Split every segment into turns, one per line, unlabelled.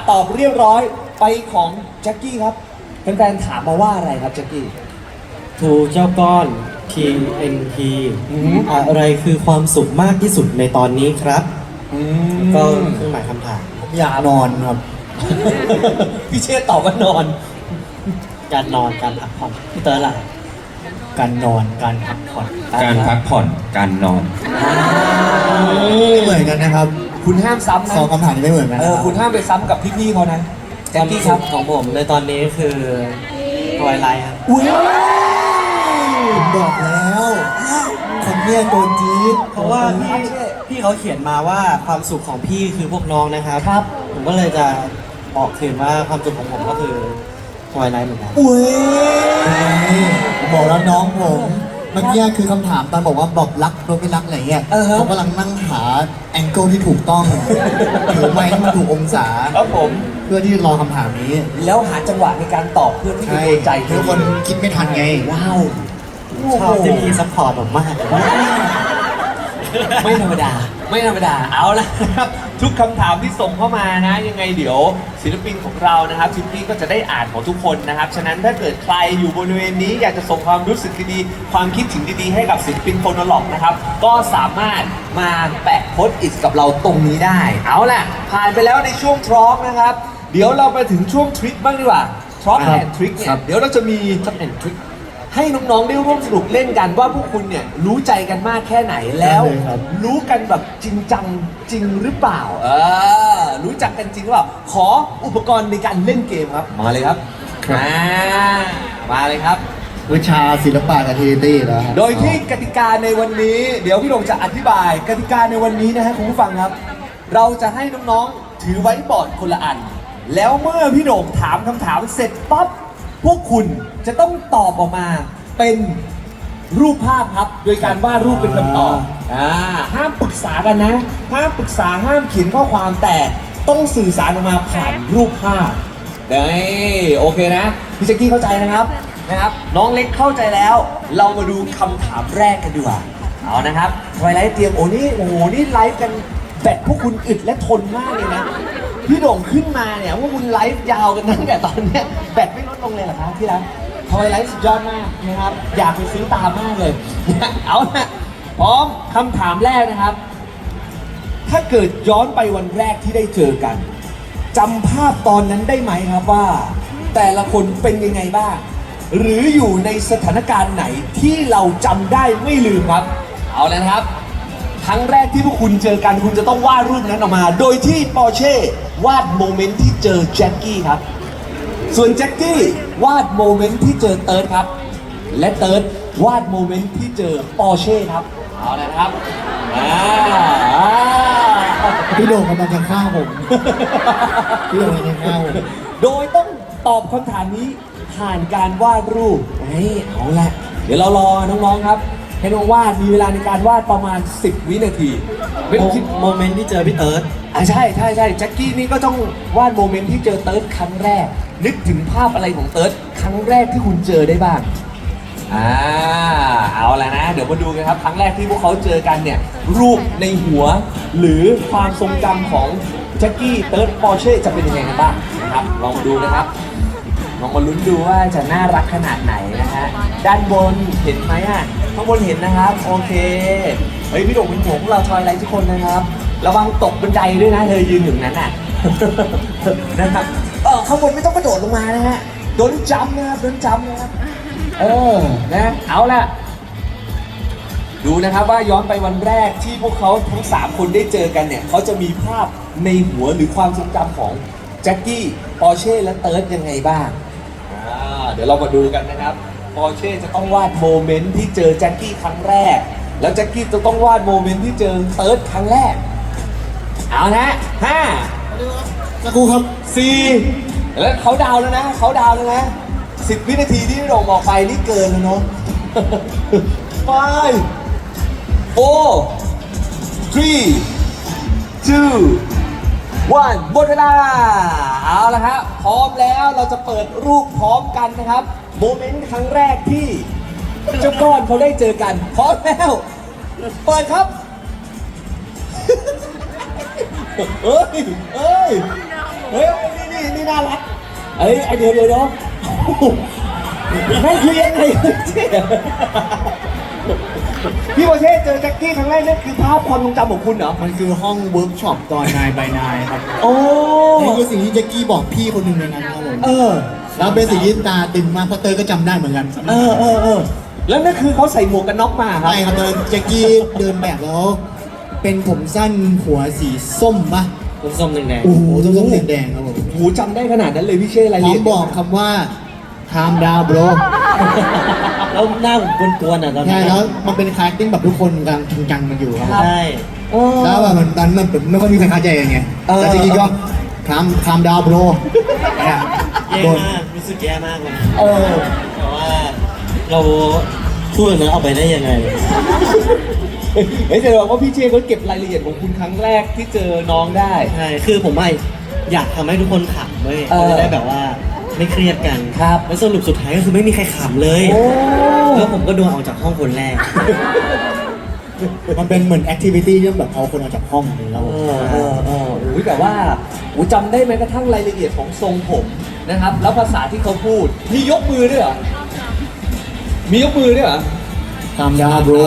ตอบเรียบร้อยไปของแจ็คกี้ครับแฟนๆถามมาว่าอะไรครับแจ็คกี้
ทูเจ้าก้อน TNT อะไรคือความสุขมากที่สุดในตอนนี้ครับก็เครื่องหมายคำถาม
อยากนอนครับ
พี่เชษตอบว่านอน
การนอนการพักผ่อนพี่เตอร์ล่ะ
การนอนการพักผ่อน
การพักผ่อนการนอน
ไม่เหมือนกันนะครับ
คุณห้ามซ้ำนะ
สองคำถามนี้ไม่เหมือนกัน
คุณห้ามไปซ้ำกับพี่ๆเขานะแจ็
ค
คว
าม
กี้ค
สุ
รับ
ขของผมในตอนนี้คือทวายไลท์ครับ
อุ้ย
ผมบอกแล้วคนเนี้ยตัวจี๊ด
เพราะว่าพี่เขาเขียนมาว่าความสุขของพี่คือพวกน้องนะครับ
ครับ
ผมก็เลยจะบอกคืนว่าความสุขของผมก็คือทวายไลท์เหมือนกัน
อุ้ย
บอกแล้วน้องผมเมื่อกี้คือคำถามตอนบอกว่าบอกรักโดยไม่รักอะไรเงี้ยเขากำลังนั่งหาแองเกิลที่ถูกต้องถือไม้ให้มันถูกองศา
ครับผม
เพื่อที่จะรอคำถามนี้
แล้วหาจังหวะในการตอบเพื่อที่จะ
ใช่
โดนใจ
ทุกคนคิดไม่ทันไง
ว้าว
ชอบที่พี่ซัพพอร์ตผมมาก
ไม่ธรรมดา ไม่ธรรมดา เอาละครับทุกคำถามที่ส่งเข้ามานะ ยังไงเดี๋ยวศิลปินของเรานะครับทิปปี้ก็จะได้อ่านของทุกคนนะครับ ฉะนั้นถ้าเกิดใครอยู่บริเวณนี้อยากจะส่งความรู้สึกดีๆความคิดถึงดีๆให้กับศิลปินโฟโนล็อกนะครับ ก็สามารถมาแปะโพสต์อิทกับเราตรงนี้ได้ เอาล่ะ ผ่านไปแล้วในช่วงทรอปนะครับ เดี๋ยวเราไปถึงช่วงทริคบ้างดีกว่าทรอปแอนทริคเนี่ยเดี๋ยวเราจะมีทริคแอนทริค ให้น้องๆได้ร่วมสนุกเล่นกันว่าพวกคุณเนี่ยรู้ใจกันมากแค่ไหนแล้ว
ได้เลยครับ
รู้กันแบบจริงจังจริงหรือเปล่ารู้จักกันจริงหรือเปล่าขออุปกรณ์ในการเล่นเกมครับมาเลยครับมาเลยครับ
วิชาศิลปะกับเทตี้แล้วครับ
โดยที่กติกาในวันนี้ เดี๋ยวพี่หลงจะอธิบายกติกาในวันนี้นะฮะคุณผู้ฟังครับ เราจะให้น้องๆถือไว้บอร์ดคนละอัน แล้วเมื่อพี่หลงถามคำถามเสร็จปั๊บพวกคุณจะต้องตอบออกมาเป็นรูปภาพครับ โดยการวาดรูปเป็นคำตอบห้ามปรึกษากันนะห้ามปรึกษาห้ามเขียนข้อความแต่ต้องสื่อสารออกมาผ่านรูปภาพได้โอเคนะพี่แจ็คกี้เข้าใจนะครับน้องเล็กเข้าใจแล้ว เรามาดูคำถามแรกกันดีกว่าเอานะครับไวไลท์เตรียมโอ้นี่ไลฟ์กันแบตพวกคุณอึดและทนมากเลยนะพี่โด่งขึ้นมาเนี่ยว่าคุณไลฟ์ยาวกันตั้งแต่ตอนเนี้ยแบตไม่ลดลงเลยเหรอครับพี่รักทำไมไลฟ์สุดยอดมากนะครับอยากไปซื้อตามมากเลย เอาละพร้อมคำถามแรกนะครับ ถ้าเกิดย้อนไปวันแรกที่ได้เจอกันจำภาพตอนนั้นได้ไหมครับว่า แต่ละคนเป็นยังไงบ้างหรืออยู่ในสถานการณ์ไหนที่เราจำได้ไม่ลืมครับ เอาแล้วนะครับ ครั้งแรกที่พวกคุณเจอกันคุณจะต้องวาดรูปนั้นออกมา โดยที่ปอร์เช่วาดโมเมนต์ที่เจอแจ็คกี้ครับ ส่วนแจ็คกี้วาดโมเมนต์ที่เจอเติร์ดครับ และเติร์ดวาดโมเมนต์ที่เจอปอร์เช่ครับ เอาละครับ
พี่โด่งกำลังจะฆ่าผม พี่โด่งกำลังจะฆ่าผม
โดยต้องตอบคำถามนี้ผ่านการวาดรูปเอาละเดี๋ยวเรารอน้องๆครับ ให้น้องวาดมีเวลาในการวาดประมาณ 10 วินาทีไม่คิด
โมเมนต์ที่เจอพี่เติร์ด
ใช่แจ็คกี้นี่ก็ต้องวาดโมเมนต์ที่เจอเติร์ดครั้งแรก นึกถึงภาพอะไรของเติร์ดครั้งแรกที่คุณเจอได้บ้างเอาละนะ เดี๋ยวมาดูกันครับครั้งแรกที่พวกเขาเจอกันเนี่ยรูปในหัว หรือความทรงจำของแจ็คกี้เติร์ดปอร์เช่จะเป็นยังไงกันบ้างนะครับลองมาดูนะครับลองมาลุ้นดูว่าจะน่ารักขนาดไหนนะฮะด้านบนเห็นไหมอ่ะข้างบนเห็นนะครับโอเคเฮ้ยพี่โด่งเป็นห่วงพวกเราทอยไลท์ทุกคนนะครับระวังตกบันไดด้วยนะเธอยืนอยู่นั้นน่ะ นะครับข้างบนไม่ต้องกระโดดลงมานะฮะโดนจัมนะครับโดนจัมนะครับนะเอาละดูนะครับว่าย้อนไปวันแรกที่พวกเขาทั้ง3คนได้เจอกันเนี่ยเขาจะมีภาพในหัวหรือความทรงจำของแจ็คกี้ปอร์เช่และเติร์ดยังไงบ้างเดี๋ยวเรามาดูกันนะครับปอร์เช่จะต้องวาดโมเมนต์ที่เจอแจ็คกี้ครั้งแรกแล้วแจ็คกี้จะต้องวาดโมเมนต์ที่เจอเติร์ดครั้งแรกเอานะ5
สักครู่ครับ
4แล้วเขาดาวแล้วนะ10 วินาทีที่พี่โด่งบอกไปนี่เกินแล้วเนาะ 5 4 3 2 1 หมดเวลาเอาละครับพร้อมแล้วเราจะเปิดรูปพร้อมกันนะครับโมเมนต์ครั้งแรกที่เจ้าก้อนเขาได้เจอกันพร้อมแล้วเปิดครับ เฮ้ยารักเอ้ยไอเดี๋ยวนั่นคือยังไงพี่โบเช่เจอแจ็คกี้ครั้งแรกนั่นคือภาพความทรงจำของคุณเหรอ
มันคือห้องเวิร์กช็อปตอนนายใบนายครับ
โอ้
นี่คือสิ่งที่แจ็คกี้บอกพี่คนหนึ่งในนั้นครับผม
เออ
แล้วเป็นสิ่งที่ตาตึงมากเพราะเตยก็จำได้เหมือนกัน
เออแล้วนั่นคือเขาใส่หมวกกันน็อกมาครับ
ใช่ครับเลยแจ็คกี้เดินแบบแล้ว เป็นผมสั้นหัวสีส้มปะ
ส้มๆแดง
โอ้โหส้มๆแดงๆครับผม
หูจำได้ขนาดนั้นเลยพี่เช่อะไร
พร้อ
เรี
ม
ย
บอกคำว่า calm down bro
ๆแล้วหน้าผมกวนๆอ่ะตอนนั้
ใช่
น
แล้วมันเป็นคาแรคติ้งแบบทุกคนกำลังจริงจังกันอยู่ครับ
ใช่
แล้วแบบมันตอนนั้นแบบไม่ค่อยมีใครเข้าใจกันไงแต่จริงๆก็ calm down bro เนี่ย
แย่
โดน
มากรู้สึกแย่มากเลย
เออ
เพราะว่าเราพูดอย่างนั้นออกไปได้ยังไง
เฮ้ยแต่บอกว่าพี่เช่เขาเก็บรายละเอียดของคุณครั้งแรกที่เจอน้องได้
ใช่ คือผมว่าอยากทำให้ทุกคนขำเว้ย
เออ
จะได้แบบว่าไม่เครียดกัน
ครับ
แล้วสรุปสุดท้ายก็คือไม่มีใครขำเลย
โอ้
แล้วผมก็โดนออกจากห้องคนแรก
มันเป็นเหมือนแอคทิวิตี้ที่แบบเอาคนออกจากห้องเลยแล้ว
อุ้ยแต่ว่าอูจำได้ไหมกระทั่งรายละเอียดของทรงผมนะครับ แล้วภาษาที่เขาพูด มียกมือด้วยเหรอ มียกมือด้วยเหรอ
calm down bro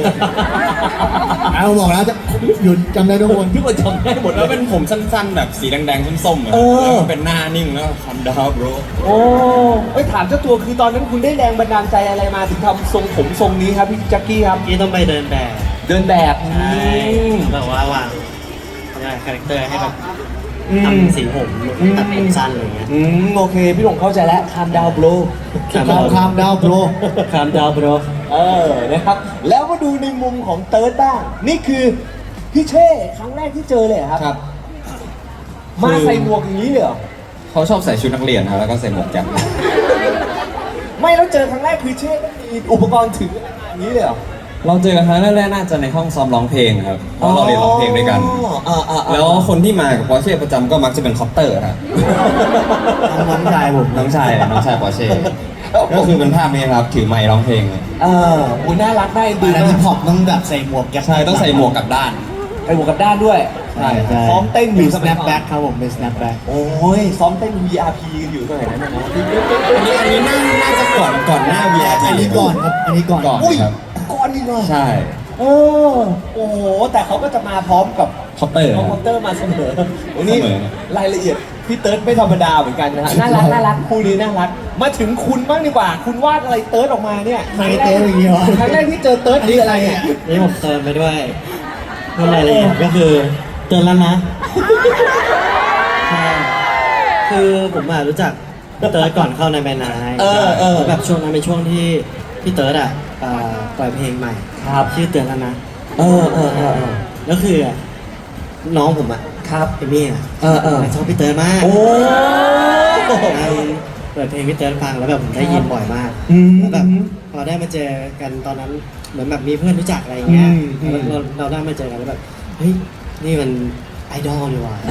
เอาบอกแล้วจะหยุดจำได้ทุกคน
ทุกคนจำได้หมด
แล้วเป็นผมสั้นๆ แบบสีแดงๆส้มๆอะ
เออ
แล้วก็เป็นหน้านิ่งแล้วคำดาวโบร
โอ้เอ้ยถามเจ้าตัวคือตอนนั้นคุณได้แรงบันดาลใจอะไรมาถึงทำทรงผมทรงนี้ครับพี่แจ็คกี้ครับ
ที่ต้องไปเดินแบบ
เดินแบบ
ใช่แบบว่าวางคาแรคเตอร์ให้แบบทำสีผมตัดผมสั้นอะไรเงี้ย
โอเค พี่หลงเข้าใจแล้วคามดาวโบร
calm down bro
คามดาวโบร
นะครับ แล้วมาดูในมุมของเติร์ดบ้าง นี่คือพี่เช่ครั้งแรกที่เจอเลยเหรอครับ
ครับ
มาใส่หมวกอย่างนี้เลยเหรอ
เขาชอบใส่ชุดนักเรียนครับแล้วก็ใส่หมวกแก๊ป
ไม่แล้วเจอครั้งแรกคือเช่ต้องมีอุปกรณ์ถืออย่างนี้เลยเหรอ
เราเจอกันครั้งแรกๆน่าจะในห้องซ้อมร้องเพลงครับเพราะเราเรียนร้องเพลงด้วยกัน แล้วคนที่มากับปอร์เช่ประจำก็มักจะเป็นคอปเตอร์ครับ
น้องชายผม
น้องชายปอร์เช่ก็คือเป็นภาพนี้ครับถือไมค์ร้องเพลงเลย
อุ้ยน่ารักน่าเอ็นดู
แล้ว
มา
ฮิ
ก
ปฮอปต้องแบบใส่หมวกแก๊ป
ใช่ต้องใส่หมวกกลับด้าน
ไปหมวกกับด้านด้วย
ใช่ใช่
ซ้อมเต้นอ
มี
ยู่สมัยก่อน
snapback ครับผมเป็น snapback
โอ้ยซ้อมเต้น VRP กันอยู่สมัยนั้นนะ
อันนี้น่าจะก่อนหน้า VR
อันนี้ก่อนครับ อันนี้ก่อน
ก่อน
อุ้ย
ครับ
ก่อนนี่เนาะ
ใช่
โอ้โหแต่เขาก็จะมาพร้อมกับ
คอปเตอร์
คอมพิวเตอร์มาเสมอวันนี้
เสมอ
รายละเอียดพี่เติร์ดไม่ธรรมดาเหมือนกันนะฮะน่ารักคู่นี้น่ารักมาถึงคุณบ้างดีกว่า คุณวาดอะไรเติร์ดออกมาเนี่ย
ใครเติร์ดอย่างเงี้ยวะ
ครั้งแรกที่เจอเติร์ดนี่อะไรเนี่ย
นี่ผมเติมไปด้วยเรื่องรายละเอียดก็คือเตือนแล้วนะใช่คือผมอะรู้จักพี่เติร์ดก่อนเข้าในแบรนด์นายแล้วแบบช่วงนั้นเป็นช่วงที่พี่เติร์ดอะปล่อยเพลงใหม่ชื่อเตือนแล้วนะแล้วคือน้องผมอะ
ครับ
เอมี่อะชอบพี่เติร์ดมาก
โอ้
เปิดเพลงพี่เติร์ดฟังแล้วแบบผมได้ยินบ่อยมาก
อืม
แล้วแบบพอได้มาเจอกันตอนนั้นเหมือนแบบมีเพื่อนรู้จักอะไรอย่างเงี้ย
อืม
แล้วเราได้มาเจอกันแล้วแบบเฮ้ยนี่มันไอดอลดีว่ะ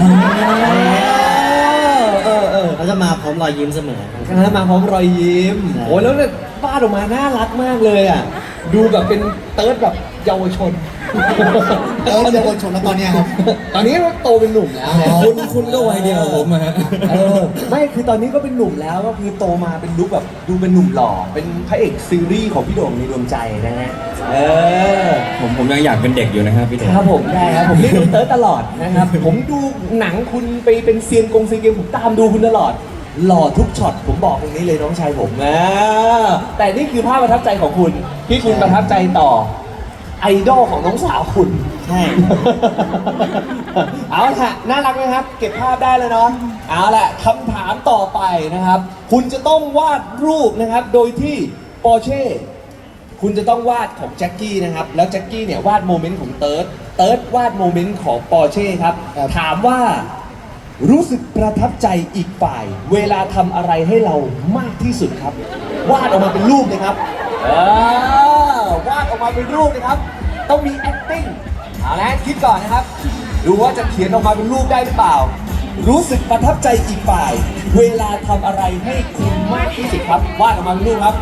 เขาจะมาพร้อมรอยยิ้มเสมอ
แล้วมาพร้อมรอยยิ้ม
ใช่
โอ้ยแล้วเนี่ยวาดออกมาน่ารักมากเลยอ่ะดูแบบเป็นเติร์ดแบบเยาวชน
เติร์ดเยาวชนแล้วตอนเนี้ยครับ
ตอนนี้ก็โตเป็นหนุ่มแล้ว
คุณก็วัยเดียวกับผมอะฮะ
ไม่คือตอนนี้ก็เป็นหนุ่มแล้วก็คือโตมาเป็นลุคแบบดูเป็นหนุ่มหล่อเป็นพระเอกซีรีส์ของพี่โด่งในดวงใจนะฮะ
ผมยังอยากเป็นเด็กอยู่นะครับพี่เด็ก
ครับผมได้ครับผมเรียกคุณเติร์ดตลอดนะครับผมดูหนังคุณไปเป็นเซียนซีเกมผมตามดูคุณตลอดหล่อทุกช็อตผมบอกตรงนี้เลยน้องชายผมแต่นี่คือภาพประทับใจของคุณที่คุณประทับใจต่อไอดอลของน้องสาวคุณ
ใช่
เอาละน่ารักไหมครับ เก็บภาพได้แล้วเนาะเอาละคำถามต่อไปนะครับ คุณจะต้องวาดรูปนะครับ โดยที่ปอร์เช่คุณจะต้องวาดของแจ็คกี้นะครับ แล้วแจ็คกี้เนี่ยวาดโมเมนต์ของเติร์ดเติร์ดวาดโมเมนต์ของปอร์เช่ครับ ถามว่ารู้สึกประทับใจอีกฝ่าย เวลาทำอะไรให้เรามากที่สุดครับ วาดออกมาเป็นรูปนะครับวาดออกมาเป็นรูปนะครับ ต้องมี acting เอาละคิดก่อนนะครับ ดูว่าจะเขียนออกมาเป็นรูปได้หรือเปล่า รู้สึกประทับใจอีกฝ่าย เวลาทำอะไรให้คุณมากที่สุดครับ วาดออกมาเป็นรูปครับ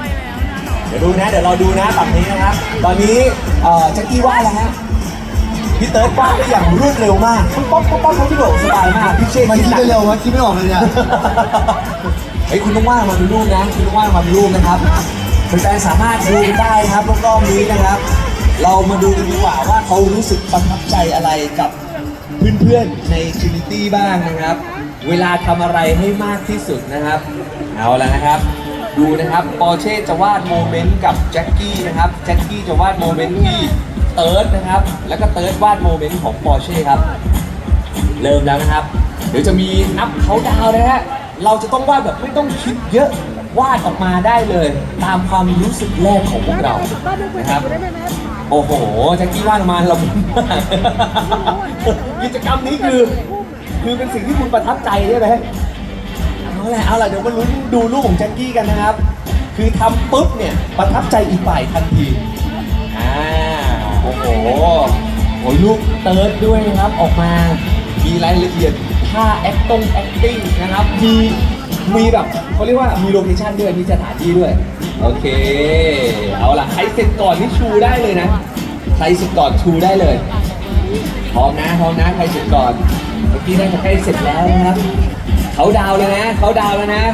เดี๋ยวดูนะ เดี๋ยวเราดูนะฝั่งนี้นะครับ ตอนนี้แจ็คกี้วาดแล้วฮะพี่เติร์ดวาดได้อย่างรวดเร็วมากป๊อปป๊อปป๊อปพี่โด่งสบายมากพี่เชษ
มัน
คิด
คิด
หนั
ไป
ก
เร็ววะคิดไม่ออกเลยเนี่ย
เฮ้ยคุณต้องวาดมาเป็นรูปนะคุณต้องวาดมาเป็นรูปนะครับแฟนๆสามารถดูกันได้ครับรอบๆนี้นะครับ เรามาดูกันดีกว่าว่าเขารู้สึกประทับใจอะไรกับเพื่อนๆใน Trinity บ้างนะครับ เวลาทำอะไรให้มากที่สุดนะครับ เอาละนะครับ ดูนะครับปอร์เช่จะวาดโมเมนต์กับแจ็คกี้นะครับแจ็คกี้จะวาดโมเมนต์ที่เติร์ดนะครับ แล้วก็เติร์ดวาดโมเมนต์ของปอร์เช่ครับ เริ่มแล้วนะครับ เดี๋ยวจะมีนับเขาดาวน์นะฮะ เราจะต้องวาดแบบไม่ต้องคิดเยอะ วาดออกมาได้เลย ตามความรู้สึกแรกของพวกเรา นะครับ โอ้โหแจ็คกี้วาดออกมาละมุนมากกิจกรรมนี้คือเป็นสิ่งที่คุณประทับใจใช่ไหมเอาละเดี๋ยวมาลุ้นดูรูปของแจ็คกี้กันนะครับ คือทำปุ๊บเนี่ยประทับใจอีกฝ่ายทันทีโอ้โหลูกเติร์ดด้วยนะครับออกมา มีรายละเอียดท่า acting นะครับ มีแบบเขาเรียกว่ามีโลเคชั่นด้วย มีสถานที่ด้วย โอเค เอาล่ะ ใครเสร็จก่อนนี่ชูได้เลยนะ ใครเสร็จก่อนชูได้เลย พร้อมนะ ใครเสร็จก่อน เมื่อกี้น่าจะใกล้เสร็จแล้วนะครับ เขาดาวเลยนะ เอาแล้วนะ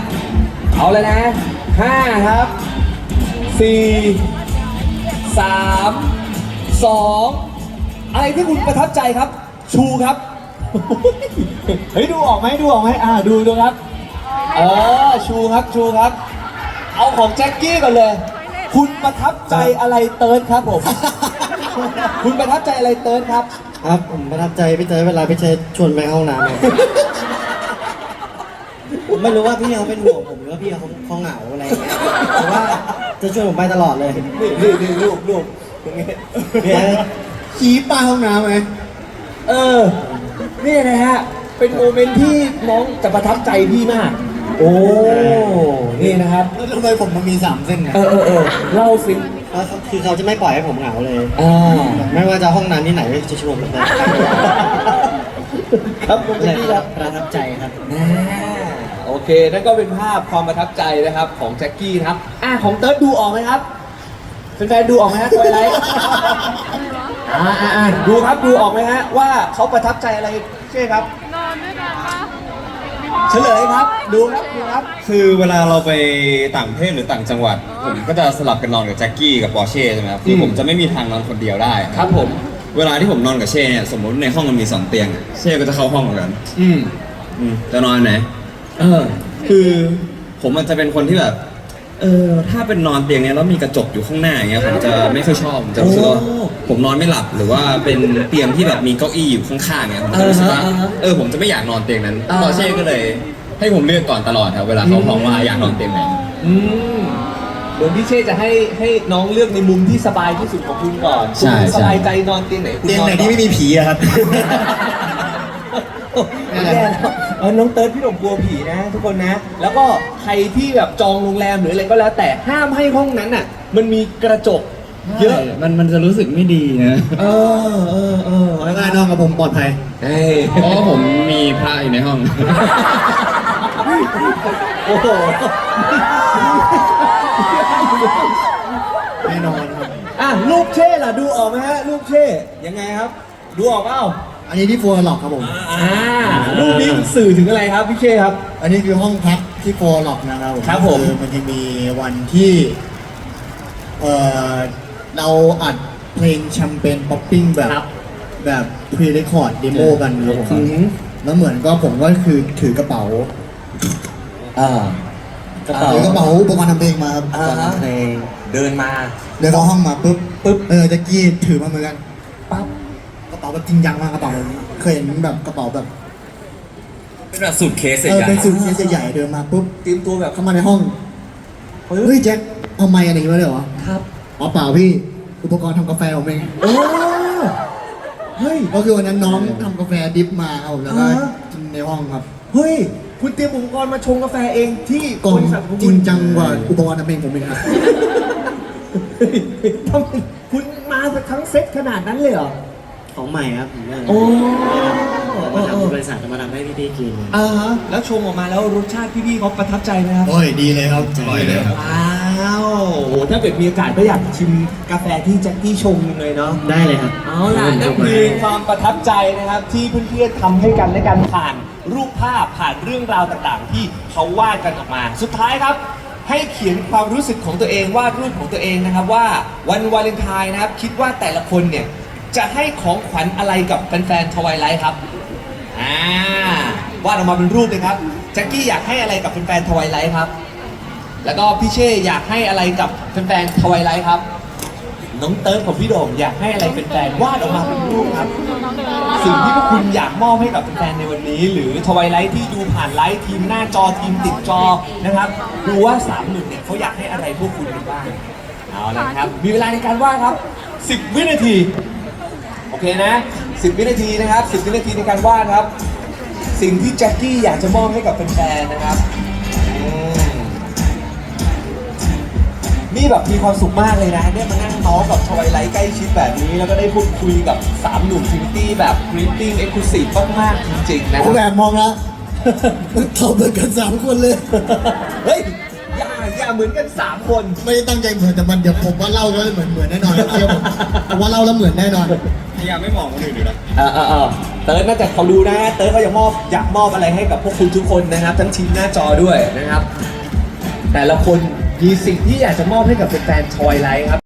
5ครับ4 3 2อะไรที่คุณประทับใจครับ ชูครับ เฮ้ยดูออกไหมดูครับชูครับ เอาของแจ็คกี้ก่อนเลย คุณประทับใจอะไรเติร์ดครับผม คุณประทับใจอะไรเติร์ดครับ
ครับผมประทับใจพี่เต้ยเวลาพี่เต้ยชวนไปเข้าห้องน้ำครับผมไม่รู้ว่าพี่เขาเป็นห่วงผมหรือว่าพี่เขาเหงาอะไรอย่างเงี้ยแต่ว่าจะชวนผมไปตลอดเลย
นี่ลูกตรงนี้
ขี้ป้าห้องน้ำไหม
นี่นะฮะ เป็นโมเมนต์ที่น้องจะประทับใจพี่มาก โอ้ นี่นะครับ
แล้วทำไมผมมันมี3เส้นเนี่ย
เล่าสิ
คือเขาจะไม่ปล่อยให้ผมเหงาเลย
ไม่
ไม่ว่าจะห้องน้ำที่ไหนจะชวนผมไป
ครับผมจะพี่ครับ
ประทับใจครับ
โอเค นั่นก็เป็นภาพความประทับใจนะครับของแจ็คกี้นะครับ ของเติร์ดดูออกไหมครับแฟนๆดูออกไหมฮะตัวอะไรดูครับดูออกไหมฮะว่าเขาประทับใจอะไรใช่ครับ
นอนด้วยกันปะ
เฉลยครับ ดูครับ
คือเวลาเราไปต่างประเทศหรือต่างจังหวัด ผมก็จะสลับกันนอนกับแจ็คกี้กับปอร์เช่ใช่ไหมครับคือผมจะไม่มีทางนอนคนเดียวได้
ครับผม
เวลาที่ผมนอนกับเช่เนี่ยสมมติในห้องมันมี2เตียงเช่ก็จะเข้าห้องเหมือนกันจะนอนไหนคือผมมันจะเป็นคนที่แบบถ้าเป็นนอนเตียงเนี้ยแล้วมีกระจกอยู่ข้างหน้าอย่างเงี้ยผมจะไม่ค่อยชอบผมจะรู้สึกว่าผมนอนไม่หลับหรือว่าเป็นเตียงที่แบบมีเก้าอี้อยู่ข้างๆเงี้ยผมจะรู้สึกว่าผมจะไม่อยากนอนเตียงนั้นปอร์เช่ก็เลยให้ผมเลือกก่อนตลอดครับเวลาเขาบอกว่าอยากนอนเตียงไหน
เดี๋ยวพี่เช่จะให้น้องเลือกในมุมที่สบายที่สุดของคุณก่อน
ใช่
คุณสบายใจนอนเตียงไหนคุณ
เตียง
นอน
ไหนที่ไม่มีผีอะครับ
แย่แล้วน้องเติร์ดพี่หนุ่มกลัวผีนะ ทุกคนนะ แล้วก็ใครที่แบบจองโรงแรมหรืออะไรก็แล้วแต่ห้ามให้ห้องนั้นอ่ะ มันมีกระจกเยอะ
มันจะรู้สึกไม่ดีนะ
ได้นอนกับผมปลอดภัย
เพราะว่าผมมีพระอยู่ในห้อง
โอ้โห
แน่นอนครับ
ลูกเช่ล่ะดูออกไหมฮะลูกเช่ยังไงครับ ดูออกเปล่า
อันนี้ที่ฟัวหลอกครับผม
รูปนี้สื่อถึงอะไรครับพี่เช่ครับ
อันนี้คือห้องพักที่ฟัวหลอกนะครับ
ครับผม
อมันจะมีวันที่เราอัดเพลงแชมเปญป๊อปปิ้งแบบพรีเรคคอร์ดเดโมกันครับผมแล้วเหมือนก็ผมก็คือถือกระเป๋า ถือกระเป๋าอุปกรณ์ทำเพลงมาครับ
เดินมา
เดินเข้าห้องมาปุ๊บจะกี้ถือมาเหมือนกันปั๊บกระเป๋าแบบจริงจังมากกระเป๋าเคยเห็นแบบกระเป๋าแบบ
เป็นแบบสุดเคสใหญ่
เป็นสูทเคสใหญ่ๆเดินมาปุ๊บ
เตรียมตัวแบบ
เข้ามาในห้องเฮ้ยแจ็คเอาไมค์อะไรมาเลยเหรอ
ครับ
อ๋อเปล่าพี่อุปกรณ์ทำกาแฟผมเอง
เฮ้ย
ก็คือวันนั้นน้องทำกาแฟดิฟมาเอาแล้วก็
อ่า
กินในห้องครับ
เฮ้ย คุณเตรียมอุปกรณ์มาชงกาแฟเองที่
กล่อง
บริษัทของ
จ
คุ
ริ
ณ
งจังกว่าอุปกรณ์ทำเพลงผมเองครับ
ทำไมคุณมาทั้งเซ็ตขนาดนั้นเลยเหรอ
ของใหม่ครับผมว่า
โอ้
มาทำที่บริษัทมาทำให้พี่ๆกิน
ฮะแล้วชงออกมาแล้วรสชาติพี่ๆเขาประทับใจไหมครับ
โอ้ยดีเลยครับอร่อยเลยครับ
ว้าวโอ้ถ้าเกิดมีโอกาสก็อยากชิมกาแฟที่แจ็คกี้ชงเลยเนาะ
ได้เลยครับ
เอาล่ะนั่นคือความประทับใจนะครับที่เพื่อนๆทำให้กันและกันผ่านรูปภาพผ่านเรื่องราวต่างๆ ที่เขาวาดกันออกมา สุดท้ายครับ ให้เขียนความรู้สึกของตัวเองวาดรูปของตัวเองนะครับว่าวันวาเลนไทน์นะครับคิดว่าแต่ละคนเนี่ยจะให้ของขวัญอะไรกับแฟนๆทวายไลท์ครับวาดออกมาเป็นรูปเลยครับแจ็คกี้อยากให้อะไรกับแฟนๆทวายไลท์ครับแล้วก็พี่เช่อยากให้อะไรกับแฟนๆทวายไลท์ครับน้องเติร์ดของพี่โด่งอยากให้อะไรเป็นแฟนวาดออกมาเป็นรูปครับสิ่งที่พวกคุณอยากมอบให้กับแฟนๆในวันนี้ หรือทวายไลท์ที่ดูผ่านไลฟ์ทีมหน้าจอทีมติดจอนะครับดูว่า3 หนุ่มเนี่ยเขาอยากให้อะไรพวกคุณกันบ้างเอาละครับมีเวลาในการวาดครับ10 วินาทีโอเคนะ10 วินาทีนะครับ10 วินาทีในการวาดครับสิ่งที่แจ็คกี้อยากจะมอบให้กับแฟนๆนะครับนี่แบบมีความสุขมากเลยนะเนี่ยมานั่งเมาส์กับทวายไลท์ใกล้ชิดแบบนี้แล้วก็ได้พูดคุยกับ3 หนุ่มฟินิตี้แบบกรีตติ้งเอ็กซ์คลูซีฟมากๆจริงๆนะค
ผมแอ
รับบ
มองแล้วเขาเหมือนกัน3 คนเลย
เฮ้ยอย่าเหมือนกัน3 คน
ไม่ได้ตั้งใจเหมือนแต่มันเดี๋ยวผมว่าเล่าแล้วเหมือนแน่นอนเชื่อผมว่าเล่าแล้วเหมือนแน่นอน
พยายามไม่มองคนอื่นอยู่นะ
เติร์ดน่าจะเขาดูนะเติร์ดเขาอยากมอบอะไรให้กับพวกคุณทุกคนนะครับ ทั้งทีมหน้าจอด้วยนะครับ แต่ละคนมีสิ่งที่อยากจะมอบให้กับแฟนๆทวายไลท์ครับ